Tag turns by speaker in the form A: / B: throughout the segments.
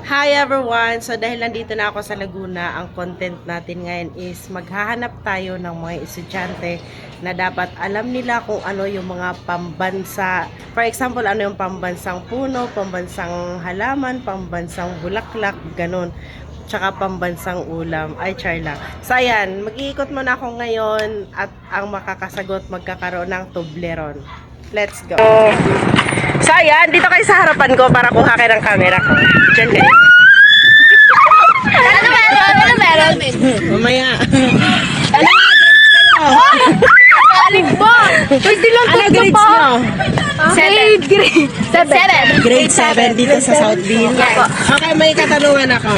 A: Hi everyone! So dahil nandito na ako sa Laguna, ang content natin ngayon is maghahanap tayo ng mga estudyante na dapat alam nila kung ano yung mga pambansa. For example, ano yung pambansang puno, pambansang halaman, pambansang bulaklak, ganun. Tsaka pambansang ulam. Ay, char lang. So ayan, mag-iikot muna ako ngayon at ang makakasagot magkakaroon ng Toblerone. Let's go! So ayan, dito kayo sa harapan ko para kuha kayo ng camera ko. Diyan kayo.
B: Ano meron?
A: Mamaya.
B: Ano grades kayo? Galing ba? Pwede lang
A: Ano grades nyo?
B: 7.
A: Grade 7 dito sa Southville. Okay, may katanungan ako.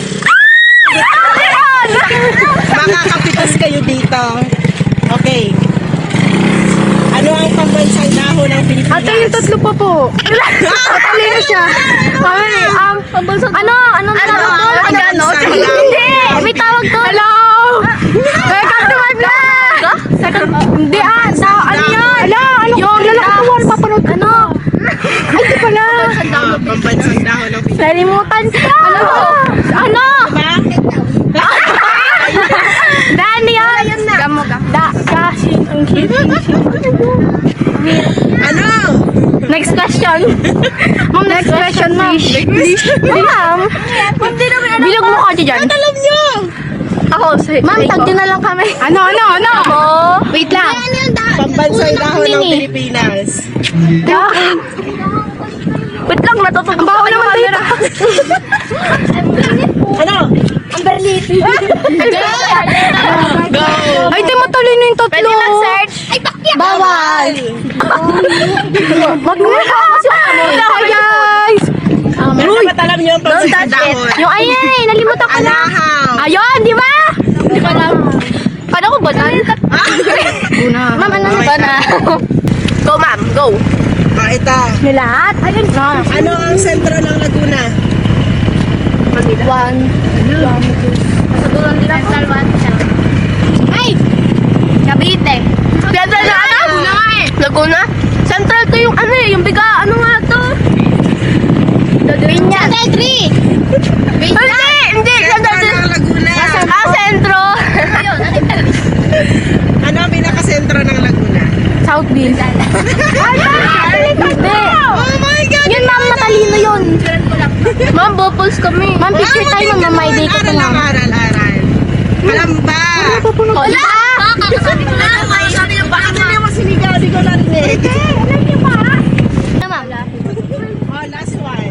A: Makakapitas kayo dito. Okay. Ano ang pambansang dahon ng Pilipinas?
B: Ate, yung tatlo pa po. Matalino siya. Kami, ang pambansang... Anong tawag doon?
A: Pambansang
B: Hindi! May tawag doon. Hello! Welcome to my vlog! Hindi ano yan? Yung lalakawan, papanood. Ay, di pala.
A: Pambansang dahon ng Pilipinas.
B: Nalimutan ka! Ano? Dani yan! Gamo. Kasi,
A: Ano?
B: next question. Ma'am, next question, ma'am. Ma'am, bilog mo ka dyan.
A: Alam nyo!
B: Ako, ma'am, tagdi na lang kami. Ano? Ako, wait lang.
A: Pambansang dahon ng Pilipinas.
B: Wait lang, natutog. Ang baho naman dito.
A: Ano?
B: Ang berliti.
A: Go!
B: Ay, di matalino yung tatlo. Pwede mag-search. Ay, bawal. Wag mo na. Hi, guys.
A: Pero dapat alam nyo ang pambansang dahon.
B: Yung ay, nalimutan ko na.
A: Alahaw.
B: Ayun, di ba? Hindi ko alam. Paano ko banan? Ma'am, ano ba na? Go, ma'am. Go.
A: Ito.
B: Nilahat? Ayun.
A: Ano ang sentro ng Laguna?
B: One. Sagulan din ako. Ay! Cavite. Central na ano? Laguna nga eh. Laguna? Central to yung ano eh, yung biga. Ano nga to? Vinya. Central 3. Vinya. Hindi.
A: Sentro ng Laguna.
B: Sentro.
A: Ano ang pinakasentro ng Laguna?
B: Southville. Hindi.
A: Oh my God!
B: Yun ma'am, matalino yun. Ma'am, bopuls kami. Ma'am, picture tayo ma'am, may day ko
A: Aral. Alam ba?
B: Wala!
A: Bakit hindi mo sinigabi ko narinig?
B: Alam niyo ba? Ano ma'am?
A: Oh, last one.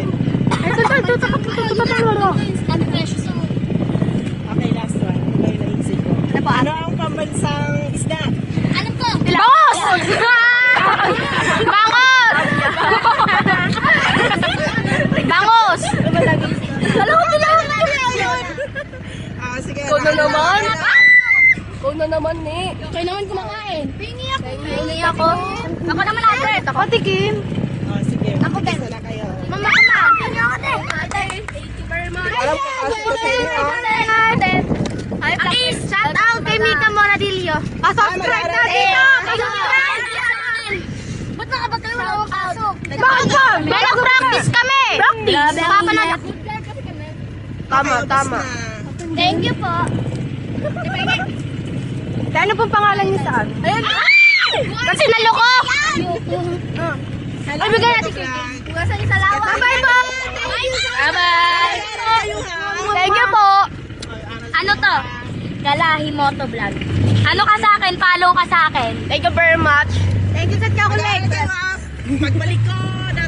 A: Okay, last one. Ito yung naisip ko. Ano ang pambansang isda?
B: Bangos! Bangos! Alam ko tinawag na yun.
A: Sige.
B: Ikaw na naman. Ikaw na naman, ni. Ikaw naman kumakain. Pingi ako. Pingi ako. Ako naman agad. Ako tikim.
A: Oh, sige.
B: Ako din.
A: Isa na kayo.
B: Mama, pingi ako din. Thank you very much.
A: Alam ko kasi sa inyo.
B: Please, shout out kay Mika Moradillo. Pa-subscribe na dito. Pa-subscribe. Ba't nakabag kayo wala akong pasok? Bakit ba? Nag-practice kami. Practice? Papanood.
A: Tama.
B: Thank you po. Ano pong pangalan niyo saan? Ayun. Kasi naloko. Ay, bigyan natin kayo. Hugasan niyo sa lawa. Bye-bye po. Bye-bye. Thank you po. Ano to? Galahi Moto Vlog. Ano ka sa akin? Follow ka sa akin. Thank you very much. Thank you sa chocolate.
A: Pagbalik ko na